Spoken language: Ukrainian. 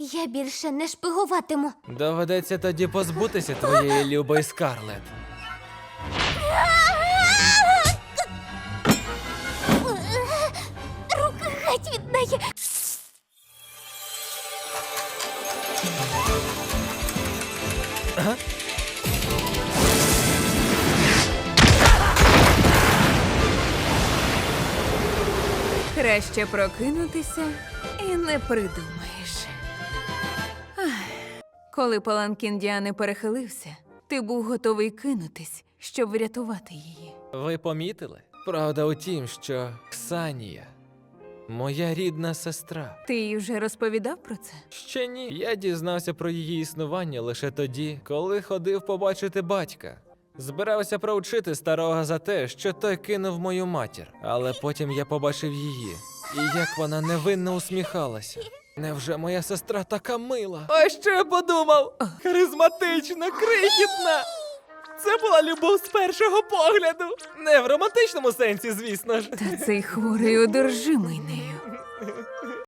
Я більше не шпигуватиму. Доведеться тоді позбутися твоєї любої Скарлетт. Руки геть від неї. Краще прокинутися і не придумаєш. Ах, коли паланкін Діани перехилився, ти був готовий кинутись, щоб врятувати її. Ви помітили? Правда у тім, що Ксанія – моя рідна сестра. Ти їй вже розповідав про це? Ще ні. Я дізнався про її існування лише тоді, коли ходив побачити батька. Збирався проучити старого за те, що той кинув мою матір. Але потім я побачив її. І як вона невинно усміхалася. Невже моя сестра така мила? А що я подумав? Харизматична, крихітна! Це була любов з першого погляду. Не в романтичному сенсі, звісно ж. Та цей хворий одержимий нею.